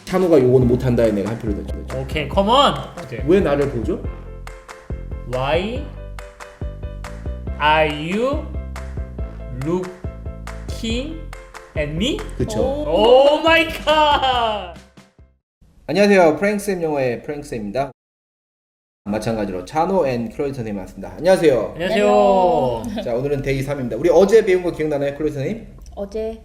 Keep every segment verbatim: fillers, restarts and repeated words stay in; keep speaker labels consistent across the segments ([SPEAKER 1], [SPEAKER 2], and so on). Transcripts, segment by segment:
[SPEAKER 1] 찬호가 요거는 못한다에 내가 한 표를 던져.
[SPEAKER 2] 오케이, 컴온. 오케이.
[SPEAKER 1] 왜 나를 보죠?
[SPEAKER 2] Why are you looking at me?
[SPEAKER 1] 그쵸.
[SPEAKER 2] 오 마이 갓.
[SPEAKER 1] 안녕하세요. 프랭크쌤 영어의 프랭크쌤입니다. 마찬가지로 찬호 앤 클로이 선생님 왔습니다. 안녕하세요.
[SPEAKER 2] 안녕하세요.
[SPEAKER 1] 자, 오늘은 데이 삼입니다. 우리 어제 배운 거 기억나나요, 클로이 선생님?
[SPEAKER 3] 어제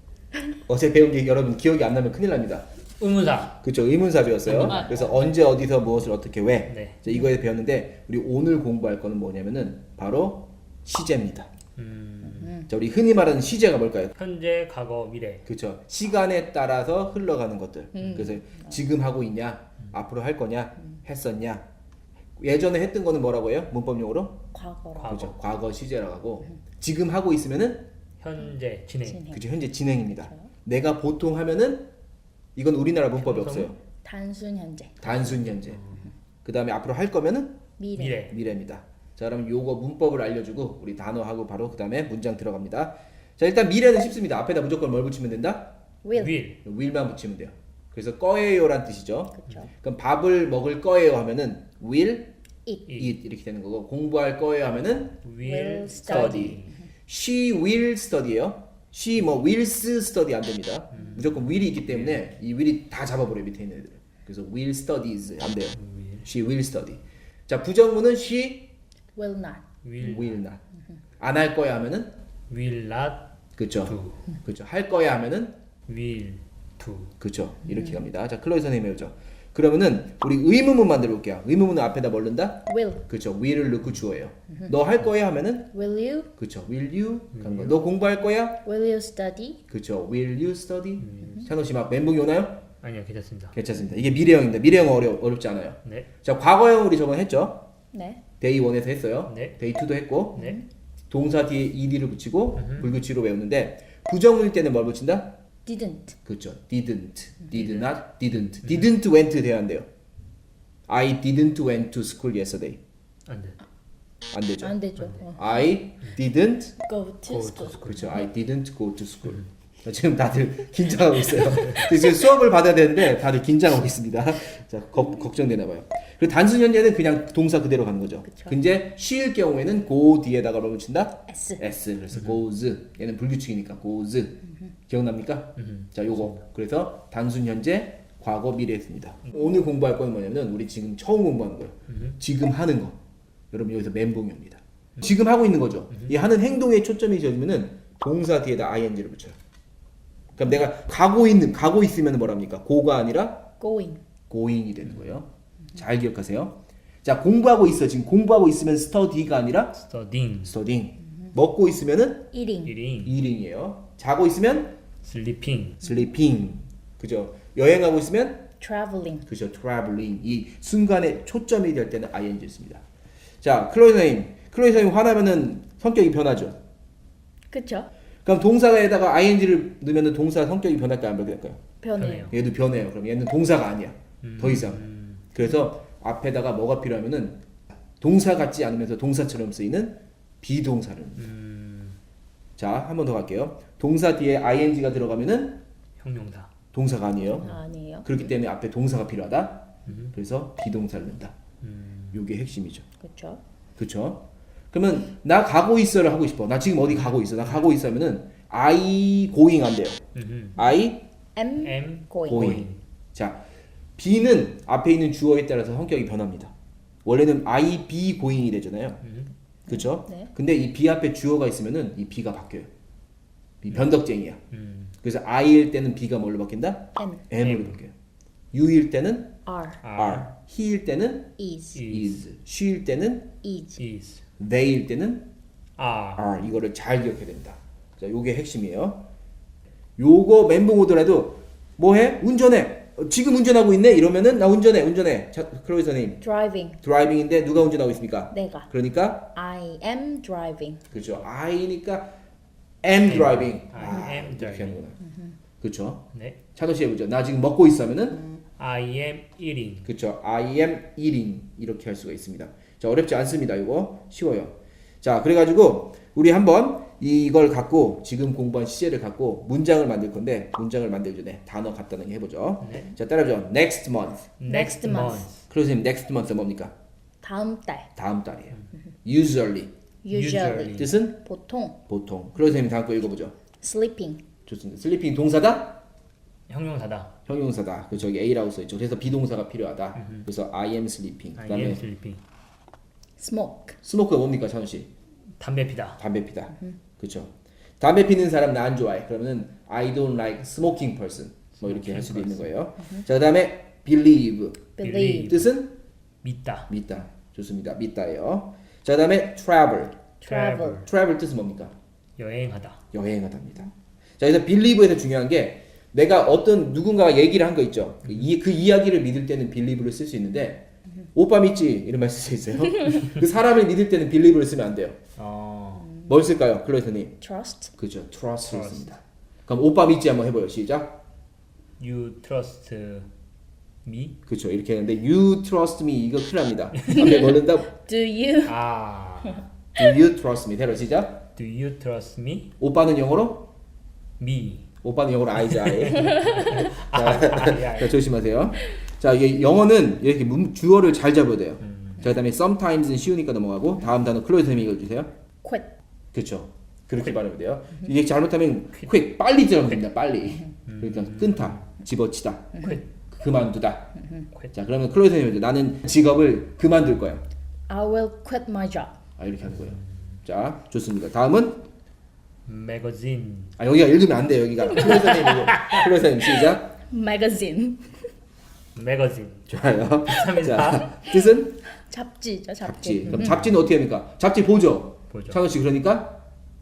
[SPEAKER 1] 어제 배운 게 여러분 기억이 안 나면 큰일 납니다.
[SPEAKER 2] 의문사.
[SPEAKER 1] 그쵸, 의문사 배웠어요.
[SPEAKER 2] 의문사.
[SPEAKER 1] 그래서 언제, 어디서, 무엇을, 어떻게, 왜.
[SPEAKER 2] 네.
[SPEAKER 1] 자, 이거에 배웠는데 우리 오늘 공부할 거는 뭐냐면은 바로 시제입니다.
[SPEAKER 2] 음,
[SPEAKER 1] 자, 우리 흔히 말하는 시제가 뭘까요?
[SPEAKER 2] 현재, 과거, 미래.
[SPEAKER 1] 그렇죠. 시간에 따라서 흘러가는 것들. 그래서 지금 하고 있냐, 앞으로 할 거냐, 했었냐. 예전에 했던 거는 뭐라고 해요? 문법 용어로?
[SPEAKER 3] 과거로
[SPEAKER 2] 과거.
[SPEAKER 1] 그렇죠. 과거 시제라고 하고 지금 하고 있으면은
[SPEAKER 2] 현재, 진행.
[SPEAKER 3] 진행.
[SPEAKER 1] 그렇죠. 현재 진행입니다. 내가 보통 하면은 이건 우리나라 문법이 없어요.
[SPEAKER 3] 단순 현재
[SPEAKER 1] 단순 현재. 그다음에 앞으로 할 거면은
[SPEAKER 3] 미래,
[SPEAKER 2] 미래.
[SPEAKER 1] 미래입니다. 자, 그럼 요거 문법을 알려주고 우리 단어하고 바로 그다음에 문장 들어갑니다. 자, 일단 미래는 쉽습니다. 앞에다 무조건 뭘 붙이면 된다?
[SPEAKER 3] will
[SPEAKER 2] will.
[SPEAKER 1] will만 붙이면 돼요. 그래서 거예요란 뜻이죠.
[SPEAKER 3] 그렇죠.
[SPEAKER 1] 그럼 밥을 먹을 거예요 하면은 will
[SPEAKER 3] eat
[SPEAKER 1] eat 이렇게 되는 거고 공부할 거예요 하면은
[SPEAKER 2] will
[SPEAKER 1] study. she will study예요. she 뭐 wills study 안 됩니다. 무조건 will이 있기 때문에 이 will이 다 잡아버려요 밑에 있는 애들. 그래서 will studies 안 돼요. she will study. 자, 부정문은 she
[SPEAKER 3] will not
[SPEAKER 2] will,
[SPEAKER 1] will not. 안 할 거야 하면은
[SPEAKER 2] will not
[SPEAKER 1] 그렇죠.
[SPEAKER 2] do.
[SPEAKER 1] 그렇죠. 할 거야 하면은
[SPEAKER 2] will do.
[SPEAKER 1] 그렇죠. 이렇게 갑니다. 자, 클로이 선생님 배우죠. 그러면은 우리 의문문 만들어 볼게요. 의문문은 앞에다 뭘 넣는다?
[SPEAKER 3] will
[SPEAKER 1] 그렇죠. will을 넣고 주어예요. 너 할 거야 하면은
[SPEAKER 3] will you
[SPEAKER 1] 그렇죠. will you 가는 거. 너 공부할 거야?
[SPEAKER 3] will you study
[SPEAKER 1] 그렇죠. will you study? 찬호 씨 막 멘붕이 오나요?
[SPEAKER 2] 아니요, 괜찮습니다.
[SPEAKER 1] 괜찮습니다. 이게 미래형입니다. 미래형 어려 어렵지 않아요.
[SPEAKER 2] 네.
[SPEAKER 1] 자, 과거형 우리 저번에 했죠.
[SPEAKER 3] 네
[SPEAKER 1] 데이 원에서 했어요.
[SPEAKER 2] 네.
[SPEAKER 1] 데이 투도 했고
[SPEAKER 2] 네.
[SPEAKER 1] 동사 뒤에 ed를 붙이고 불규칙으로 외우는데 부정문일 때는 뭘 붙인다?
[SPEAKER 3] didn't
[SPEAKER 1] 그렇죠. didn't, did not, didn't, didn't went 돼야 한대요. I didn't went to school yesterday.
[SPEAKER 2] 안 돼.
[SPEAKER 1] 안 되죠.
[SPEAKER 3] 안 되죠. 어.
[SPEAKER 1] I didn't
[SPEAKER 3] go to
[SPEAKER 2] Go
[SPEAKER 3] school
[SPEAKER 2] to
[SPEAKER 1] 그렇죠. I didn't go to school. 지금 다들 긴장하고 있어요. 지금 수업을 받아야 되는데 다들 긴장하고 있습니다. 자, 걱, 걱정되나 봐요. 그리고 단순 현재는 그냥 동사 그대로 가는 거죠.
[SPEAKER 3] 그쵸.
[SPEAKER 1] 근데 she일 경우에는 go 뒤에다가 뭘 붙인다?
[SPEAKER 3] s
[SPEAKER 1] s. 그래서 goes. 얘는 불규칙이니까 goes. 기억납니까? 자, 요거. 그래서 단순 현재, 과거, 미래 했습니다. 오늘 공부할 건 뭐냐면 우리 지금 처음 공부하는 거예요. 지금 하는 거. 여러분 여기서 멘붕이 옵니다. 지금 하고 있는 거죠. 이 하는 행동에 초점이 지어지면은 동사 뒤에다 ing를 붙여요. 그럼 내가 가고 있는 가고 있으면 뭐랍니까? go가 아니라
[SPEAKER 3] going
[SPEAKER 1] going이 되는 거예요. 잘 기억하세요. 자, 공부하고 있어. 지금 공부하고 있으면 study가 아니라
[SPEAKER 2] studying.
[SPEAKER 1] studying. 먹고 있으면은
[SPEAKER 3] eating
[SPEAKER 2] eating.
[SPEAKER 1] eating이에요. 자고 있으면
[SPEAKER 2] sleeping.
[SPEAKER 1] sleeping. 그죠? 여행하고 있으면
[SPEAKER 3] traveling
[SPEAKER 1] 그죠? traveling. 이 순간에 초점이 될 때는 ing 씁니다. 자, 클로이 선생님. 클로이 선생님 화나면은 성격이 변하죠.
[SPEAKER 3] 그쵸
[SPEAKER 1] 그럼 동사에다가 ing를 넣으면 동사 성격이 변할까요? 안 변할까요?
[SPEAKER 3] 변해요
[SPEAKER 1] 얘도 변해요. 그럼 얘는 동사가 아니야. 더 이상. 그래서 앞에다가 뭐가 필요하면은 동사 같지 않으면서 동사처럼 쓰이는 비동사를.
[SPEAKER 2] 음,
[SPEAKER 1] 자, 한 번 더 갈게요. 동사 뒤에 ing가 들어가면은
[SPEAKER 2] 형용사.
[SPEAKER 1] 동사가 아니에요.
[SPEAKER 3] 아니에요
[SPEAKER 1] 그렇기 때문에 앞에 동사가 필요하다.
[SPEAKER 2] 음.
[SPEAKER 1] 그래서 비동사를 넣는다.
[SPEAKER 2] 음,
[SPEAKER 1] 요게 핵심이죠.
[SPEAKER 3] 그쵸
[SPEAKER 1] 그렇죠? 그러면 나 가고 있어를 하고 싶어. 나 지금 어디 가고 있어. 나 가고 있어 하면은 I going 안 돼요.
[SPEAKER 2] 음,
[SPEAKER 1] I
[SPEAKER 3] am
[SPEAKER 2] am
[SPEAKER 3] going
[SPEAKER 1] going. 자, be는 앞에 있는 주어에 따라서 성격이 변합니다. 원래는 I be going이 되잖아요. 그렇죠?
[SPEAKER 3] 네.
[SPEAKER 1] 근데 이 be 앞에 주어가 있으면은 이 be가 바뀌어요. 이 변덕쟁이야.
[SPEAKER 2] 음,
[SPEAKER 1] 그래서 I일 때는 be가 뭘로 바뀐다?
[SPEAKER 3] am
[SPEAKER 1] M으로
[SPEAKER 2] M.
[SPEAKER 1] 바뀌어요. You일 때는
[SPEAKER 3] are
[SPEAKER 1] are, he일 때는
[SPEAKER 3] is
[SPEAKER 1] is, she일 때는
[SPEAKER 3] is
[SPEAKER 2] is.
[SPEAKER 1] they일 때는
[SPEAKER 2] are.
[SPEAKER 1] are. 이거를 잘 기억해야 됩니다. 자, 요게 핵심이에요. 요거 멘붕 오더라도 뭐해? 운전해. 어, 지금 운전하고 있네? 이러면은 나 운전해, 운전해. 자, 클로이 선생님.
[SPEAKER 3] driving
[SPEAKER 1] 드라이빙인데 누가 운전하고 있습니까?
[SPEAKER 3] 내가
[SPEAKER 1] 그러니까
[SPEAKER 3] I am driving
[SPEAKER 1] 그렇죠. I니까 am driving.
[SPEAKER 2] I am
[SPEAKER 1] 이렇게
[SPEAKER 2] driving.
[SPEAKER 1] 하는구나. 그렇죠.
[SPEAKER 2] 네.
[SPEAKER 1] 차도 씨 해보죠. 나 지금 먹고 있어 하면은
[SPEAKER 2] I am eating.
[SPEAKER 1] 그렇죠. I am eating 이렇게 할 수가 있습니다. 자, 어렵지 않습니다. 이거 쉬워요. 자, 그래가지고 우리 한번 이걸 갖고 지금 공부한 시제를 갖고 문장을 만들 건데 문장을 만들기 전에 단어 갖다 놓기 해보죠.
[SPEAKER 2] 네.
[SPEAKER 1] 자 따라줘. Next month.
[SPEAKER 2] Next
[SPEAKER 3] Next month.
[SPEAKER 2] month.
[SPEAKER 1] 클로즈님 next month 뭡니까?
[SPEAKER 3] 다음 달.
[SPEAKER 1] 다음 달이에요. Usually.
[SPEAKER 3] Usually.
[SPEAKER 2] Usually.
[SPEAKER 1] 뜻은
[SPEAKER 3] 보통.
[SPEAKER 1] 보통. 클로즈님 다음 거 읽어보죠.
[SPEAKER 3] Sleeping.
[SPEAKER 1] 좋습니다. 슬리핑 동사다?
[SPEAKER 2] 형용사다.
[SPEAKER 1] 형용사다. 그 저기 A라고 써있죠. 그래서 비동사가 필요하다. 그래서 I am sleeping.
[SPEAKER 2] I
[SPEAKER 1] 그다음에
[SPEAKER 2] am sleeping.
[SPEAKER 3] Smoke.
[SPEAKER 1] 스모크가 뭡니까, 찬우 씨?
[SPEAKER 2] 담배 피다.
[SPEAKER 1] 담배 피다. 그렇죠. 담배 피는 사람 나 안 좋아해. 그러면 I don't like smoking person. 뭐 이렇게 할 수도 있는 거예요. 자, 그다음에 believe.
[SPEAKER 3] Believe.
[SPEAKER 1] 뜻은
[SPEAKER 2] 믿다.
[SPEAKER 1] 믿다. 좋습니다. 믿다예요. 자, 그다음에 travel.
[SPEAKER 3] Travel.
[SPEAKER 1] travel 뜻은 뭡니까?
[SPEAKER 2] 여행하다.
[SPEAKER 1] 여행하답니다. 자, 그래서 believe에서 중요한 게 내가 어떤 누군가가 얘기를 한 거 있죠. 그, 이, 그 이야기를 믿을 때는 believe를 쓸 수 있는데 오빠 믿지? 이런 말 쓸 수 있어요. 그 사람을 믿을 때는 believe를 쓰면 안 돼요.
[SPEAKER 2] 어.
[SPEAKER 1] 뭘 쓸까요? 클로이터님.
[SPEAKER 3] Trust.
[SPEAKER 1] 그죠. trust를
[SPEAKER 2] Trust.
[SPEAKER 1] 씁니다. 그럼 오빠 믿지 한번 해봐요. 시작.
[SPEAKER 2] You trust me?
[SPEAKER 1] 그렇죠. 이렇게 했는데 you trust me 이거 큰일 납니다. 앞에 걸른다.
[SPEAKER 3] Do you?
[SPEAKER 2] 아.
[SPEAKER 1] Do you trust me? 대로 시작.
[SPEAKER 2] Do you trust me?
[SPEAKER 1] 오빠는 영어로?
[SPEAKER 2] Me.
[SPEAKER 1] 오빠는 영어로 I자.
[SPEAKER 2] 아, 아, 아,
[SPEAKER 1] 자, 조심하세요. 자, 이게 영어는 이렇게 문, 주어를 잘 잡아야 돼요.
[SPEAKER 2] 음.
[SPEAKER 1] 자, 그다음에 sometimes는 쉬우니까 넘어가고 다음 단어 클로이터님이 읽어주세요.
[SPEAKER 3] Quit.
[SPEAKER 1] 그렇죠. 그렇게 말하면 돼요. 이게 잘못하면 quick 빨리 들어가면 됩니다. 빨리. 그러니까 끊다, 집어치다,
[SPEAKER 2] Quit.
[SPEAKER 1] 그만두다.
[SPEAKER 2] Quit.
[SPEAKER 1] 자, 그러면 클로이터님이 나는 직업을 그만둘 거야.
[SPEAKER 3] I will quit my job.
[SPEAKER 1] 아, 이렇게 하는 거예요. 자, 좋습니다. 다음은
[SPEAKER 2] Magazine.
[SPEAKER 1] 아, 여기가 읽으면 안 돼요. 여기가 클로이터님 클로이터님 시작.
[SPEAKER 3] Magazine.
[SPEAKER 2] Magazine.
[SPEAKER 1] 좋아요.
[SPEAKER 2] 감사합니다.
[SPEAKER 1] 자, 뜻은
[SPEAKER 3] 잡지죠, 잡지.
[SPEAKER 1] 잡지. 그럼 잡지는 어떻게 합니까? 잡지 보죠.
[SPEAKER 2] 보죠.
[SPEAKER 1] 창훈 씨 그러니까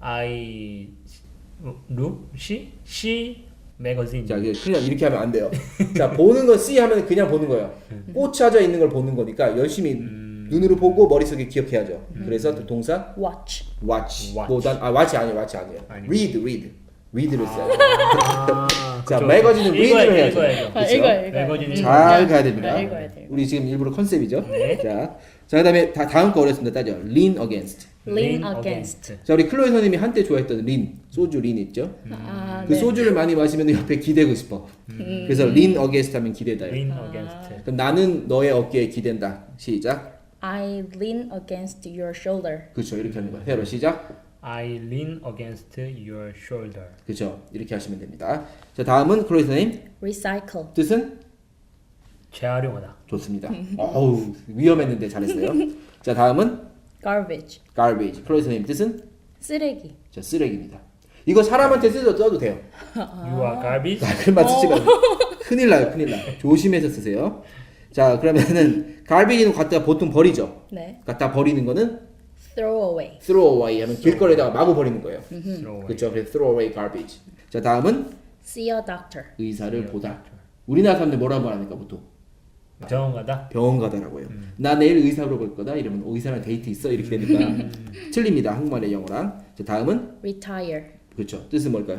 [SPEAKER 2] I look she she magazine.
[SPEAKER 1] 자, 이게 그냥 이렇게 하면 안 돼요. 자, 보는 거 C 하면 그냥 보는 거예요. 꽂혀져 있는 걸 보는 거니까 열심히 눈으로 보고 머릿속에 기억해야죠. 그래서 또 동사
[SPEAKER 3] Watch.
[SPEAKER 1] watch
[SPEAKER 2] Watch.
[SPEAKER 1] 보단 아 watch 아니에요. watch 아니에요.
[SPEAKER 2] 아니요.
[SPEAKER 1] read read read를 써요.
[SPEAKER 2] 아,
[SPEAKER 1] 자,
[SPEAKER 2] 그쵸.
[SPEAKER 1] 매거진은
[SPEAKER 2] 읽어야
[SPEAKER 1] read를
[SPEAKER 2] 돼,
[SPEAKER 1] 해야죠.
[SPEAKER 2] 읽어야죠.
[SPEAKER 3] 아,
[SPEAKER 1] 그쵸?
[SPEAKER 3] 읽어요, 읽어요.
[SPEAKER 2] 매거진은
[SPEAKER 3] 음.
[SPEAKER 1] 잘 가야 됩니다.
[SPEAKER 3] 네, 읽어야 돼요.
[SPEAKER 1] 우리 지금 일부러 컨셉이죠.
[SPEAKER 2] 네.
[SPEAKER 1] 자, 자 그다음에 다, 다음 거 어렵습니다. 따져. lean against.
[SPEAKER 3] Lean against.
[SPEAKER 1] 자, 우리 클로이 선생님이 한때 좋아했던 린 소주 린 있죠.
[SPEAKER 3] 아,
[SPEAKER 1] 그
[SPEAKER 3] 네.
[SPEAKER 1] 소주를 많이 마시면 옆에 기대고 싶어. 그래서 lean against 하면 기대다요.
[SPEAKER 2] lean
[SPEAKER 3] 아.
[SPEAKER 2] against.
[SPEAKER 1] 그럼 나는 너의 어깨에 기댄다. 시작.
[SPEAKER 3] I lean against your shoulder.
[SPEAKER 1] 그렇죠. 이렇게 하는 거예요. 새로 시작.
[SPEAKER 2] I lean against your shoulder.
[SPEAKER 1] 그렇죠. 이렇게 하시면 됩니다. 자, 다음은 클로이 선생님
[SPEAKER 3] Recycle.
[SPEAKER 1] 뜻은
[SPEAKER 2] 재활용하다.
[SPEAKER 1] 좋습니다. 어우 위험했는데 잘했어요. 자, 다음은
[SPEAKER 3] Garbage.
[SPEAKER 1] garbage. 클로이 선생님 뜻은
[SPEAKER 3] 쓰레기.
[SPEAKER 1] 자, 쓰레기입니다. 이거 사람한테 써도, 써도 돼요.
[SPEAKER 2] You are garbage.
[SPEAKER 1] 말만 쓰지 말고 큰일 나요. 큰일 나. 조심해서 쓰세요. 자, 그러면은 garbage는 갖다 보통 버리죠.
[SPEAKER 3] 네.
[SPEAKER 1] 갖다 버리는 거는
[SPEAKER 3] Throw away.
[SPEAKER 1] throw away 하면 길거리에다가 마구 버리는 거예요.
[SPEAKER 2] Throw away.
[SPEAKER 1] 그렇죠. 그래서 throw away garbage. 자, 다음은
[SPEAKER 3] See a doctor.
[SPEAKER 1] 의사를 보다. 우리나라 사람들 뭐라고 말합니까 보통?
[SPEAKER 2] 병원 가다.
[SPEAKER 1] 병원 가다라고 해요. 나 내일 의사 보러 갈 거다. 이러면 어, 의사랑 데이트 있어 이렇게 되니까 틀립니다. 한국말의 영어랑. 자, 다음은
[SPEAKER 3] Retire.
[SPEAKER 1] 그렇죠. 뜻은 뭘까요?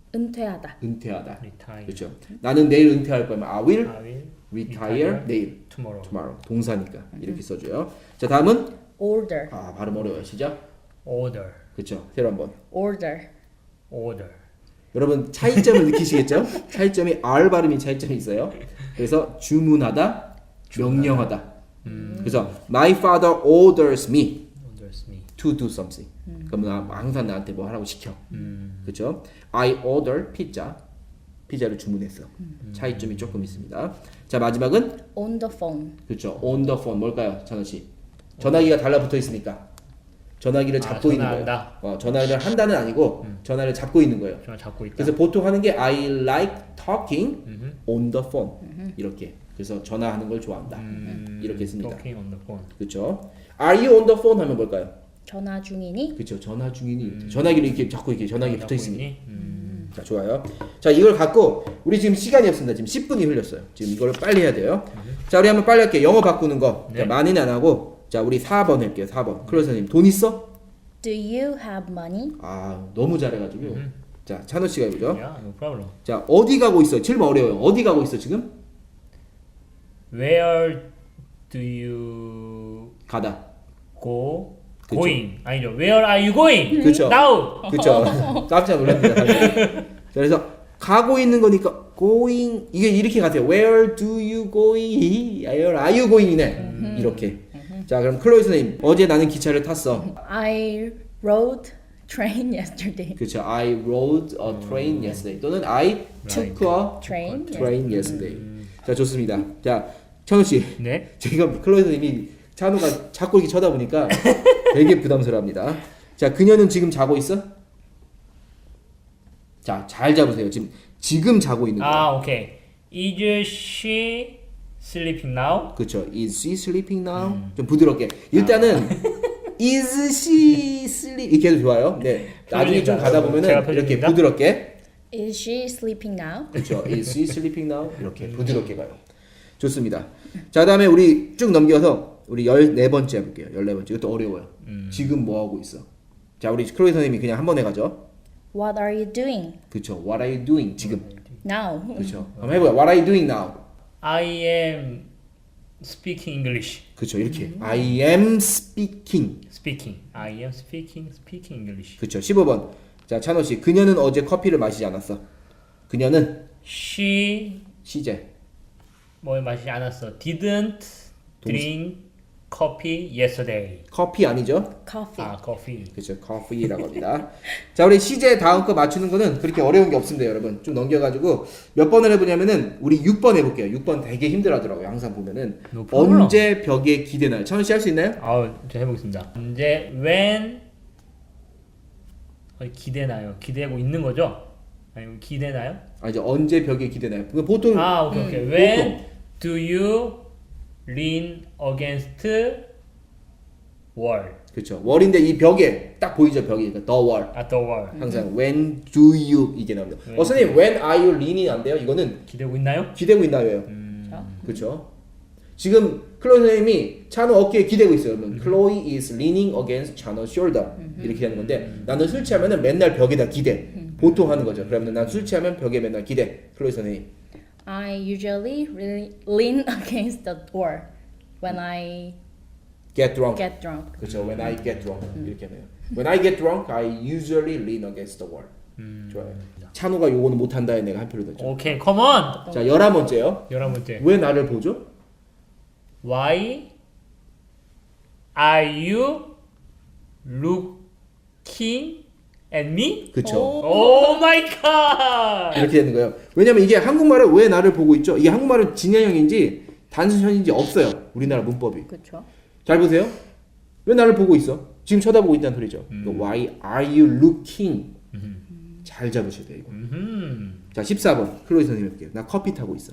[SPEAKER 3] 은퇴하다.
[SPEAKER 1] 은퇴하다.
[SPEAKER 2] Retire.
[SPEAKER 1] 그렇죠. 나는 내일 은퇴할 거면 I will
[SPEAKER 2] I will
[SPEAKER 1] retire 내일.
[SPEAKER 2] tomorrow.
[SPEAKER 1] tomorrow. 동사니까 이렇게 써줘요. 자, 다음은
[SPEAKER 3] Order.
[SPEAKER 1] 아 발음 어려워요. 시작.
[SPEAKER 2] Order.
[SPEAKER 1] 그렇죠. 새로 한번.
[SPEAKER 3] Order.
[SPEAKER 2] Order.
[SPEAKER 1] 여러분 차이점을 느끼시겠죠? 차이점이 R 발음이 차이점이 있어요. 그래서 주문하다, 명령하다. 그래서 my father orders me
[SPEAKER 2] Orders me.
[SPEAKER 1] to do something. 그럼 나 항상 나한테 뭐 하라고 시켜.
[SPEAKER 2] 음.
[SPEAKER 1] 그렇죠? I order pizza. 피자를 주문했어. 차이점이 조금 있습니다. 자, 마지막은
[SPEAKER 3] On the phone.
[SPEAKER 1] 그렇죠. on the phone 뭘까요, 찬호 씨? 전화기가 달라붙어 있으니까 전화기를
[SPEAKER 2] 아,
[SPEAKER 1] 잡고 있는 거예요.
[SPEAKER 2] 전화한다.
[SPEAKER 1] 어, 전화를 한다는 아니고 전화를 잡고 있는 거예요.
[SPEAKER 2] 정말 잡고 있다.
[SPEAKER 1] 그래서 보통 하는 게 I like talking
[SPEAKER 2] 음흠.
[SPEAKER 1] on the phone 이렇게. 그래서 전화하는 걸 좋아한다.
[SPEAKER 2] 음,
[SPEAKER 1] 이렇게 씁니다.
[SPEAKER 2] Talking on the phone.
[SPEAKER 1] 그렇죠? Are you on the phone 하면 뭘까요?
[SPEAKER 3] 전화 중이니?
[SPEAKER 1] 그렇죠. 전화 중이니. 전화기를 이렇게 잡고 이렇게 전화기 붙어
[SPEAKER 2] 잡고
[SPEAKER 1] 있으니.
[SPEAKER 2] 있니? 음.
[SPEAKER 1] 자, 좋아요. 자, 이걸 갖고 우리 지금 시간이 없습니다. 지금 십 분이 흘렸어요. 지금 이걸 빨리 해야 돼요. 자, 우리 한번 빨리 할게요. 영어 바꾸는 거.
[SPEAKER 2] 네.
[SPEAKER 1] 자, 많이는 안 하고. 자, 우리 사 번 할게요. 사 번. 클로서님 돈 있어?
[SPEAKER 3] Do you have money?
[SPEAKER 1] 아, 너무 잘해가지고. 자, 찬호 씨가 해보죠.
[SPEAKER 2] Yeah, no problem.
[SPEAKER 1] 자, 어디 가고 있어? 질문 어려워요. 어디 가고 있어 지금?
[SPEAKER 2] Where do you
[SPEAKER 1] 가다.
[SPEAKER 2] go
[SPEAKER 1] 그쵸.
[SPEAKER 2] going 아니죠. Where are you going?
[SPEAKER 1] 그쵸.
[SPEAKER 2] Now.
[SPEAKER 1] 그쵸. 깜짝 놀랍니다. 자, 그래서 가고 있는 거니까 going 이게 이렇게 가세요. Where do you going? Where are you going이네. 이렇게. 자 그럼 클로이 선생님 어제 나는 기차를 탔어.
[SPEAKER 3] I rode train yesterday.
[SPEAKER 1] 그렇죠. I rode a train yesterday. 또는 I took a
[SPEAKER 3] Train.
[SPEAKER 1] train yesterday. 자 좋습니다. 자 찬우 씨,
[SPEAKER 2] 네.
[SPEAKER 1] 제가 클로이 선생님이 찬우가 자꾸 이렇게 쳐다보니까 되게 부담스러워합니다. 자 그녀는 지금 자고 있어? 자 잘 잡으세요. 지금 지금 자고 있는 거예요.
[SPEAKER 2] 아, 오케이. Is she sleeping now?
[SPEAKER 1] 그렇죠. Is she sleeping now? 좀 부드럽게. 일단은 is she sleep 이렇게 해도 좋아요. 네. 나중에 좀 가다 보면은
[SPEAKER 2] 제가
[SPEAKER 1] 이렇게
[SPEAKER 2] 펴줍니다.
[SPEAKER 1] 부드럽게.
[SPEAKER 3] Is she sleeping now?
[SPEAKER 1] 그렇죠. Is she sleeping now? 이렇게 부드럽게 가요. 좋습니다. 자, 그다음에 우리 쭉 넘겨서 우리 열네 번째 해볼게요. 열네 번째. 이것도 어려워요. 지금 뭐 하고 있어? 자, 우리 클로이 선생님이 그냥 한 번 해가죠.
[SPEAKER 3] What are you doing
[SPEAKER 1] 그렇죠. What are you doing? 지금.
[SPEAKER 3] now?
[SPEAKER 1] 그렇죠. 한번 해봐요. What are you doing now?
[SPEAKER 2] I am speaking English.
[SPEAKER 1] 그렇죠. 이렇게. I am speaking.
[SPEAKER 2] Speaking. I am speaking speaking English.
[SPEAKER 1] 그렇죠. 십오 번. 자, 찬호 씨. 그녀는 어제 커피를 마시지 않았어. 그녀는
[SPEAKER 2] She
[SPEAKER 1] 시제.
[SPEAKER 2] 뭘 마시지 않았어. Didn't drink coffee yesterday.
[SPEAKER 1] 커피 아니죠?
[SPEAKER 3] Coffee.
[SPEAKER 2] 아, coffee.
[SPEAKER 1] 그렇죠. 커피라고 합니다. 자, 우리 시제 다음 거 맞추는 거는 그렇게 어려운 게 없습니다, 여러분. 좀 넘겨가지고 몇 번을 해보냐면은 우리 육 번 해볼게요. 육 번 되게 힘들어하더라고요. 항상 보면은
[SPEAKER 2] No problem.
[SPEAKER 1] 언제 벽에 기대나요? 찬우 씨 할 수 있나요?
[SPEAKER 2] 아, 저 해보겠습니다. 이제 when 어디 기대나요? 기대고 있는 거죠? 아니면 기대나요?
[SPEAKER 1] 아 이제 언제 벽에 기대나요? 그 보통
[SPEAKER 2] 아, 오케이, 오케이.
[SPEAKER 1] 음,
[SPEAKER 2] When
[SPEAKER 1] 보통.
[SPEAKER 2] do you lean against wall?
[SPEAKER 1] 그렇죠. 월인데 이 벽에 딱 보이죠, 벽이. 그러니까 the wall.
[SPEAKER 2] At the wall.
[SPEAKER 1] 항상 when do you 이게 나옵니다.
[SPEAKER 2] When
[SPEAKER 1] 어 선생님 when are you leaning 안 돼요? 이거는
[SPEAKER 2] 기대고 있나요?
[SPEAKER 1] 기대고 있나요?
[SPEAKER 2] 음,
[SPEAKER 1] 그렇죠. 지금 클로이 선생님이 찬우 어깨에 기대고 있어요. 그러면 Chloe is leaning against 찬우's shoulder 이렇게 하는 건데 나는 술 취하면은 맨날 벽에다 기대. 보통 하는 거죠. 그러면 난 술 취하면 벽에 맨날 기대. 클로이 선생님.
[SPEAKER 3] I usually really lean against the door when I
[SPEAKER 1] Get drunk.
[SPEAKER 3] get drunk.
[SPEAKER 1] 그렇죠. When I get drunk 이렇게 하네요. When I get drunk, I usually lean against the wall. 좋아요. 찬우가 요거는 못한다에 내가 한 표를 넣죠.
[SPEAKER 2] 오케이, come on.
[SPEAKER 1] 자 열한 번째요.
[SPEAKER 2] 열한 번째.
[SPEAKER 1] 왜 나를 보죠?
[SPEAKER 2] Why are you looking at me?
[SPEAKER 1] 그렇죠.
[SPEAKER 2] Oh my god.
[SPEAKER 1] 이렇게 되는 거예요. 왜냐면 이게 한국말을 왜 나를 보고 있죠? 이게 한국말은 진행형인지 단순형인지 없어요. 우리나라 문법이.
[SPEAKER 3] 그렇죠.
[SPEAKER 1] 잘 보세요. 왜 나를 보고 있어? 지금 쳐다보고 있다는 소리죠. Why are you looking? 잘 잡으셔야 돼요. 이거.
[SPEAKER 2] 음.
[SPEAKER 1] 자 십사 번 클로이 선생님 해볼게요. 나 커피 타고 있어.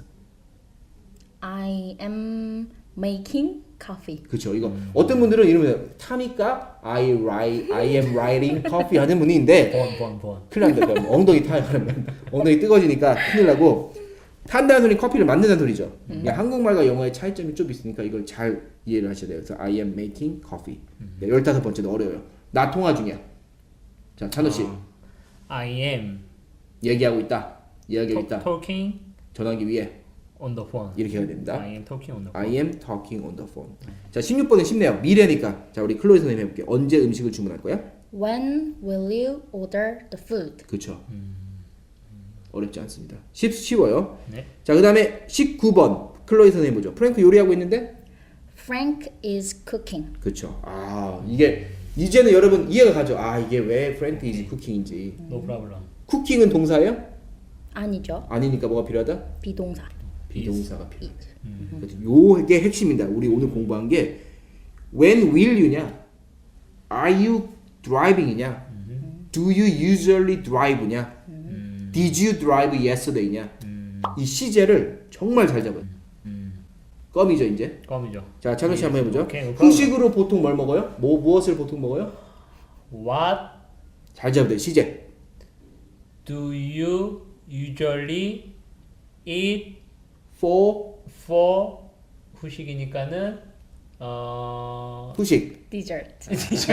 [SPEAKER 3] I am making coffee.
[SPEAKER 1] 그렇죠. 이거 어떤 분들은 이러면 타니까 I write, I am writing coffee 하는 분이 있는데
[SPEAKER 2] 번, 번, 번.
[SPEAKER 1] 큰일 납니다. 그럼 엉덩이 타요. 그러면 엉덩이 뜨거지니까 큰일 나고 탄다는 소리 커피를 만든다는 소리죠. 이게 한국말과 영어의 차이점이 좀 있으니까 이걸 잘 이해를 하셔야 돼요. 그래서 I am making coffee. 네, 열다섯 번째도 어려워요. 나 통화 중이야. 자, 찬우 씨
[SPEAKER 2] I am
[SPEAKER 1] 얘기하고 있다. 이야기하고 있다.
[SPEAKER 2] talking
[SPEAKER 1] 전화기 위에
[SPEAKER 2] on the phone.
[SPEAKER 1] 이렇게 해야 됩니다.
[SPEAKER 2] I am talking on the
[SPEAKER 1] I
[SPEAKER 2] phone.
[SPEAKER 1] am talking on the phone. 자, 십육 번은 쉽네요. 미래니까. 자, 우리 클로이 선생님 해볼게요. 언제 음식을 주문할 거야?
[SPEAKER 3] When will you order the food?
[SPEAKER 1] 그렇죠. 어렵지 않습니다. 쉽, 쉬워요.
[SPEAKER 2] 네.
[SPEAKER 1] 자, 그 다음에 십구 번 클로이 선생님 보죠. 프랭크 요리하고 있는데
[SPEAKER 3] Frank is cooking.
[SPEAKER 1] 그렇죠. 아 이게 이제는 여러분 이해가 가죠. 아 이게 왜 프랭크 이즈 쿠킹인지.
[SPEAKER 2] No problem.
[SPEAKER 1] 쿠킹은 동사예요?
[SPEAKER 3] 아니죠.
[SPEAKER 1] 아니니까 뭐가 필요하다?
[SPEAKER 3] 비동사.
[SPEAKER 1] 비동사가 필요하다. 그렇죠. 요게 핵심입니다. 우리 오늘 공부한 게 when will you냐, are you driving이냐, do you usually drive냐, did you drive yesterday냐. 이 시제를 정말 잘 잡아요. 껌이죠 이제.
[SPEAKER 2] 껌이죠.
[SPEAKER 1] 자 찬우 씨 한번 해보죠.
[SPEAKER 2] 오케이, no problem.
[SPEAKER 1] 후식으로 보통 뭘 먹어요? 뭐 무엇을 보통 먹어요?
[SPEAKER 2] What
[SPEAKER 1] 잘 잡아야 돼. 시제.
[SPEAKER 2] do you usually eat
[SPEAKER 1] for
[SPEAKER 2] for 후식이니까는 어
[SPEAKER 1] 후식.
[SPEAKER 3] Dessert.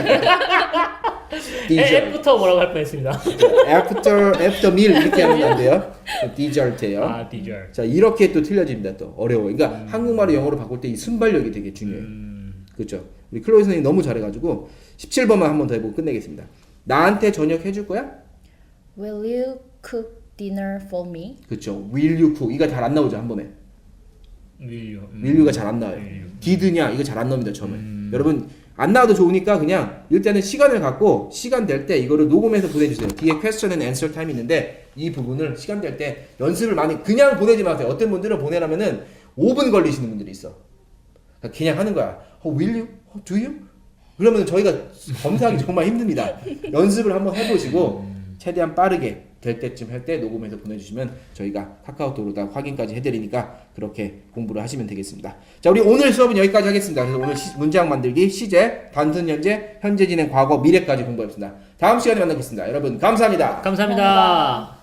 [SPEAKER 1] dessert.
[SPEAKER 2] F부터 뭐라고 할 뻔했습니다.
[SPEAKER 1] after after meal 이렇게 하면 안 돼요. dessert예요.
[SPEAKER 2] 아, dessert.
[SPEAKER 1] 자 이렇게 또 틀려집니다. 또 어려워. 그러니까 한국말을 영어로 바꿀 때 이 순발력이 되게 중요해요.
[SPEAKER 2] 음,
[SPEAKER 1] 그렇죠. 우리 클로이 선생님 너무 잘해가지고 십칠 번만 한 번 더 해보고 끝내겠습니다. 나한테 저녁 해줄 거야?
[SPEAKER 3] Will you cook dinner for me?
[SPEAKER 1] 그렇죠. Will you cook? 이거 잘 안 나오죠 한 번에.
[SPEAKER 2] will you. 음.
[SPEAKER 1] will you가 잘 안 나와요.
[SPEAKER 2] will you.
[SPEAKER 1] did냐 이거 잘 안 나옵니다 처음에.
[SPEAKER 2] 음.
[SPEAKER 1] 여러분 안 나와도 좋으니까 그냥 일단은 시간을 갖고 시간 될 때 이거를 녹음해서 보내주세요. 뒤에 question and answer time 있는데 이 부분을 시간 될 때 연습을 많이 그냥 보내지 마세요. 어떤 분들은 보내려면은 오 분 걸리시는 분들이 있어. 그러니까 그냥 하는 거야. Oh, will you? Oh, do you? 그러면 저희가 검사하기 정말 힘듭니다. 연습을 한번 해보시고 최대한 빠르게 될 때쯤 할 때 녹음해서 보내주시면 저희가 카카오톡으로 다 확인까지 해드리니까 그렇게 공부를 하시면 되겠습니다. 자, 우리 오늘 수업은 여기까지 하겠습니다. 그래서 오늘 시, 문장 만들기, 시제, 단순 현재, 현재 진행, 과거, 미래까지 공부했습니다. 다음 시간에 만나겠습니다. 여러분 감사합니다.
[SPEAKER 2] 감사합니다.